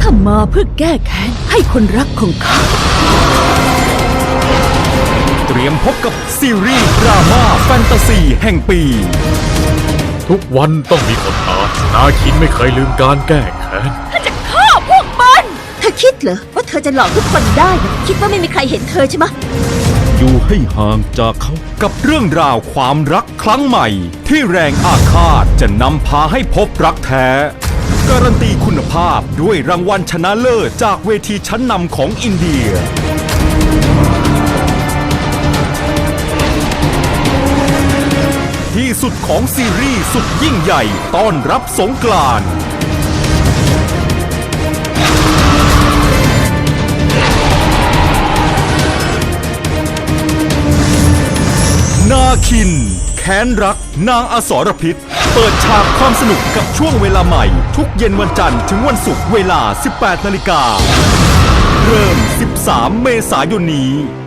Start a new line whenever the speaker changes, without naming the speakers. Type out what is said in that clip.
ามาเพื่อแก้แค้นให้คนรักของข้า
เตรียมพบกับซีรีส์ดราม่าแฟนตาซีแห่งปี
ทุกวันต้องมีคนตายนาคินไม่เคยลืมการแก้แค้น
ฆ่าพวกมัน
เธอคิดเหรอว่าเธอจะหลอกทุกคนได้นะคิดว่าไม่มีใครเห็นเธอใช่ไหม
อยู่ให้ห่างจากเขากับเรื่องราวความรักครั้งใหม่ ที่แรงอาฆาตจะนำพาให้พบรักแท้ การันตีคุณภาพด้วยรางวัลชนะเลิศจากเวทีชั้นนำของอินเดีย ที่สุดของซีรีส์สุดยิ่งใหญ่ต้อนรับสงกรานต์นาคินแค้นรักนางอสรพิษเปิดฉากความสนุกกับช่วงเวลาใหม่ทุกเย็นวันจันทร์ถึงวันศุกร์เวลา 18 นาฬิกาเริ่ม 13 เมษายนนี้